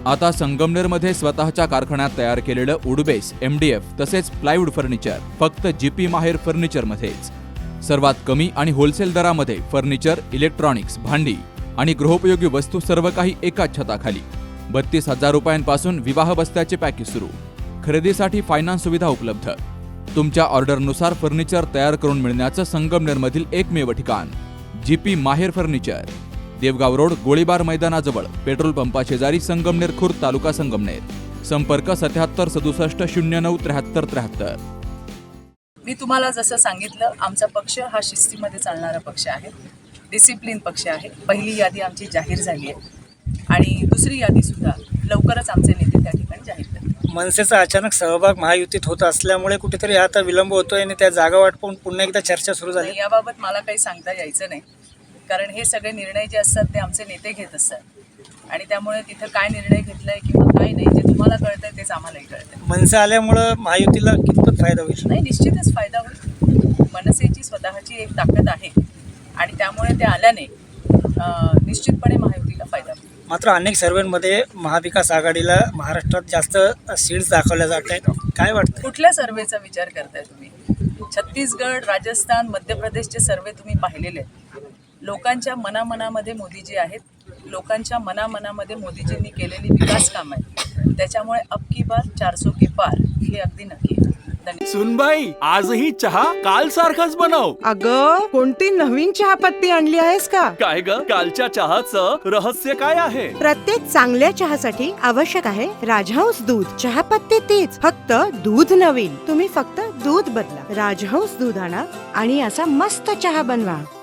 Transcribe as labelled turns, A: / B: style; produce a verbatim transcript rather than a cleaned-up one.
A: आता संगमनेरमध्ये स्वतःच्या कारखान्यात तयार केलेलं वुडबेस, एमडीएफ तसेच प्लायवूड फर्निचर फक्त जीपी माहेर फर्निचरमध्येच. सर्वात कमी आणि होलसेल दरामध्ये फर्निचर, इलेक्ट्रॉनिक्स, भांडी आणि गृहोपयोगी वस्तू सर्व काही एकाच छताखाली. बत्तीस हजार रुपयांपासून विवाह बस्त्याचे पॅकेज सुरू. खरेदीसाठी फायनान्स सुविधा उपलब्ध. तुमच्या ऑर्डरनुसार फर्निचर तयार करून मिळण्याचं संगमनेरमधील एकमेव ठिकाण जीपी माहेर फर्निचर. देवगाव रोड, गोळीबार मैदानाजवळ, पेट्रोल पंपा शेजारी, संगमनेर खुर्द, तालुका संगमनेर. संपर्क सत्याहत्तर सदुसष्ट शून्य नऊ त्र्याहत्तर त्र्याहत्तर.
B: मी तुम्हाला जसं सांगितलं, आमचा पक्ष हा शिस्तीमध्ये चालणारा पक्ष आहे, डिसिप्लिन पक्ष आहे. पहिली यादी आमची जाहीर झाली आहे आणि दुसरी यादी सुद्धा लवकरच आमचे नेते त्या ठिकाणी जाहीर करतील.
C: मनसेचा अचानक सहभाग महायुतीत होत असल्यामुळे कुठेतरी आता विलंब होतोय आणि त्या जागा वाटपून पुन्हा एकदा चर्चा सुरू झाली.
B: याबाबत मला काही सांगता यायचं नाही, कारण हे सगळे निर्णय जे असतात ते आमचे नेते घेत असतात आणि त्यामुळे तिथं काय निर्णय घेतलाय किंवा काय नाही जे तुम्हाला कळतंय तेच आम्हालाही कळतंय.
C: मनसे आल्यामुळं महायुतीला कितपत फायदा होईल?
B: नाही, निश्चितच फायदा होईल. मनसेची स्वतःची एक ताकद आहे आणि त्यामुळे ते आल्याने निश्चितपणे महायुतीला फायदा होईल.
C: मात्र अनेक सर्वेमध्ये महाविकास आघाडीला महाराष्ट्रात जास्त सीट्स दाखवल्या जात आहेत. काय वाटतं?
B: कुठल्या सर्वेचा विचार करताय तुम्ही? छत्तीसगड, राजस्थान, मध्य प्रदेशचे सर्वे तुम्ही पाहिलेले आहेत. लोकांच्या मनामनामध्ये मोदीजी आहेत. लोकांच्या मनामनामध्ये मोदीजींनी केलेली विकास कामं आहेत. त्याच्यामुळे अब की बार चारसो के पार हे अगदी नक्की आहे.
D: सुनबाई, आजही चहा काल सारखाच बनव.
E: अगं, कोणती नवीन चहापत्ती आणली आहेस का?
D: काय ग, कालच्या चहाचं रहस्य काय आहे?
E: प्रत्येक चांगल्या चहासाठी आवश्यक आहे राजहंस दूध. चहापत्ती तीच, फक्त दूध नवीन. तुम्ही फक्त दूध बदला. राजहंस दूध आणा आणि असा मस्त चहा बनवा.